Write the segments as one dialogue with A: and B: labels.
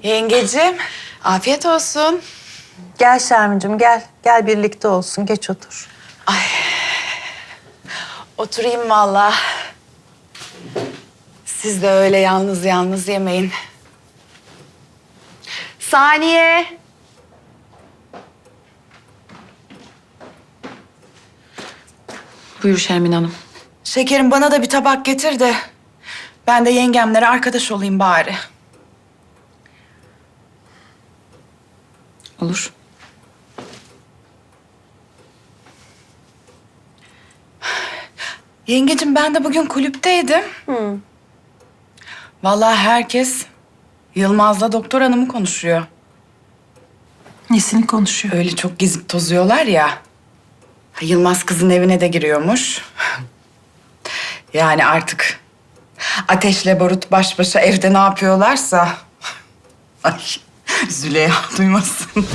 A: Yengeciğim, afiyet olsun.
B: Gel Şermin'cim gel. Gel birlikte olsun. Geç otur.
A: Oturayım vallahi. Siz de öyle yalnız yalnız yemeyin. Saniye.
C: Buyur Şermin Hanım.
A: Şekerim bana da bir tabak getir de ben de yengemlere arkadaş olayım bari.
C: Olur.
A: Yengeciğim ben de bugün kulüpteydim. Vallahi herkes Yılmaz'la doktor hanımı konuşuyor.
C: Nesini konuşuyor?
A: Öyle çok gezip tozuyorlar ya. Yılmaz kızın evine de giriyormuş. Yani artık Ateşle Barut baş başa evde ne yapıyorlarsa... Ay Züleyha duymasın.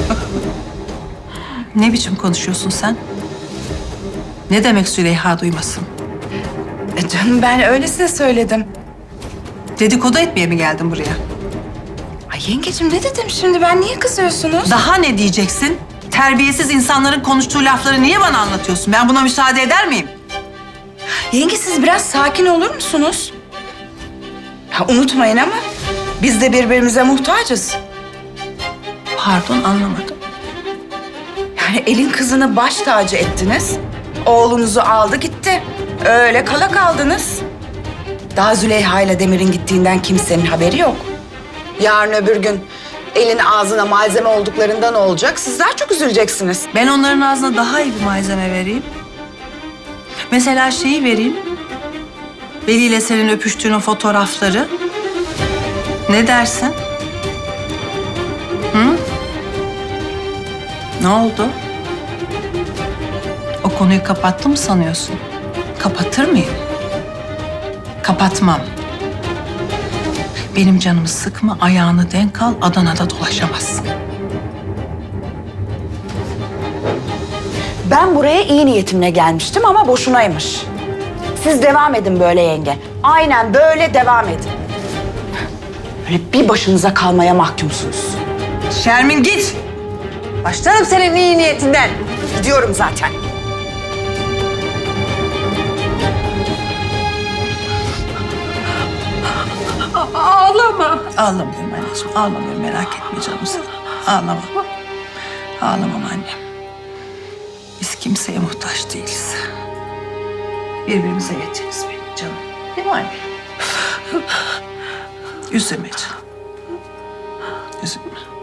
C: Ne biçim konuşuyorsun sen? Ne demek Züleyha duymasın?
A: Canım ben öylesine söyledim.
C: Dedikodu etmeye mi geldin buraya?
A: Ay yengeciğim ne dedim şimdi ben niye kızıyorsunuz?
C: Daha ne diyeceksin? Terbiyesiz insanların konuştuğu lafları niye bana anlatıyorsun? Ben buna müsaade eder miyim?
A: Yenge siz biraz sakin olur musunuz? Unutmayın ama biz de birbirimize muhtacız.
C: Pardon, anlamadım.
A: Yani elin kızını baş tacı ettiniz. Oğlunuzu aldı gitti. Öyle kala kaldınız. Daha Züleyha ile Demir'in gittiğinden kimsenin haberi yok. Yarın öbür gün elin ağzına malzeme olduklarından olacak. Siz daha çok üzüleceksiniz.
C: Ben onların ağzına daha iyi bir malzeme vereyim. Mesela şeyi vereyim. Veli ile senin öpüştüğün o fotoğrafları. Ne dersin? Hı? Ne oldu? O konuyu kapattı mı sanıyorsun? Kapatır mıyım? Kapatmam. Benim canımı sıkma, ayağını denk al, Adana'da dolaşamazsın.
A: Ben buraya iyi niyetimle gelmiştim ama boşunaymış. Siz devam edin böyle yenge. Aynen böyle devam edin. Böyle bir başınıza kalmaya mahkumsunuz.
C: Şermin git! Başlarım senin iyi niyetinden.
A: Gidiyorum zaten.
C: Ağlamıyorum anneciğim, ağlamıyorum. Merak etme canım sen. Ağlama. Ağlamam annem. Biz kimseye muhtaç değiliz. Birbirimize yeteriz benim canım. Değil mi anne? Üzülme canım. Üzülme.